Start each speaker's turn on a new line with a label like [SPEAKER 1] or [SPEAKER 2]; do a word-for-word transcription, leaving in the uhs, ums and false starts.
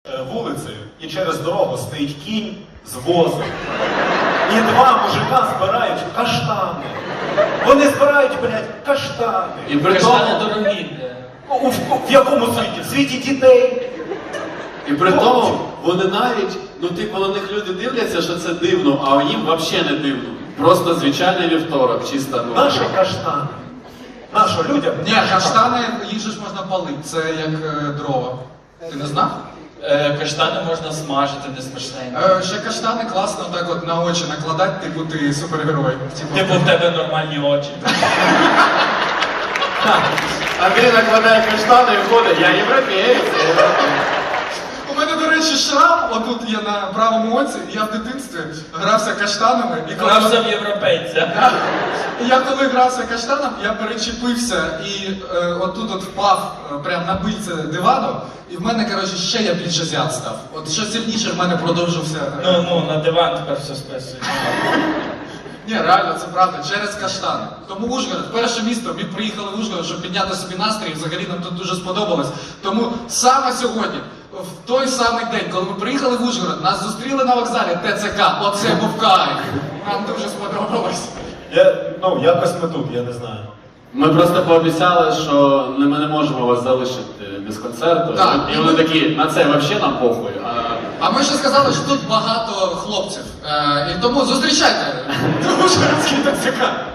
[SPEAKER 1] Вулицею і через дорогу стоїть кінь з возом. І два мужика збирають каштани. Вони збирають, блядь, каштани.
[SPEAKER 2] І при
[SPEAKER 3] Каштани
[SPEAKER 2] тому,
[SPEAKER 3] дорогі.
[SPEAKER 1] У, в, в якому світі? В світі дітей.
[SPEAKER 2] і при тому вони навіть, ну типу на них люди дивляться, що це дивно, а їм взагалі не дивно. Просто звичайний вівторок, чиста ну.
[SPEAKER 1] Наші каштани. Нашо людям.
[SPEAKER 4] Ні, каштани, їх же ж можна палити, це як е, дрова. Ти не знав?
[SPEAKER 3] Е, Каштани можна смажити, не смачненько.
[SPEAKER 4] Е, ще каштани класно так от на очі накладати, типу ти супергерой. Типу,
[SPEAKER 3] Типу в тебе нормальні очі.
[SPEAKER 2] Андрій накладає каштани і ходить, я європієць.
[SPEAKER 4] У мене, до речі, шрам, отут є на правому оці, я в дитинстві грався каштанами. І коли...
[SPEAKER 3] Грався в європейця.
[SPEAKER 4] І я коли грався каштаном, я перечепився і е, отут от впав е, прямо на бильце дивану, і в мене, коротше, ще я більше зяд став. От що сильніше в мене продовжився. е,
[SPEAKER 3] Ну, ну, на диван тепер все списують.
[SPEAKER 4] Ні, реально, це правда, через каштани. Тому Ужгород, перше місто, ми приїхали в Ужгород, щоб підняти собі настрій, взагалі нам тут дуже сподобалось. Тому саме сьогодні, в той самий день, коли ми приїхали в Ужгород, нас зустріли на вокзалі ТЦК, оце був кайф. Нам дуже сподобалось.
[SPEAKER 1] Я, ну, якось ми тут, я не знаю.
[SPEAKER 2] Ми просто пообіцяли, що не- ми не можемо вас залишити без концерту.
[SPEAKER 4] Так.
[SPEAKER 2] І вони такі, на це взагалі нам похуй. А...
[SPEAKER 4] А ми ще сказали, що тут багато хлопців. Е, і тому зустрічайте Ужгородський ТЦК.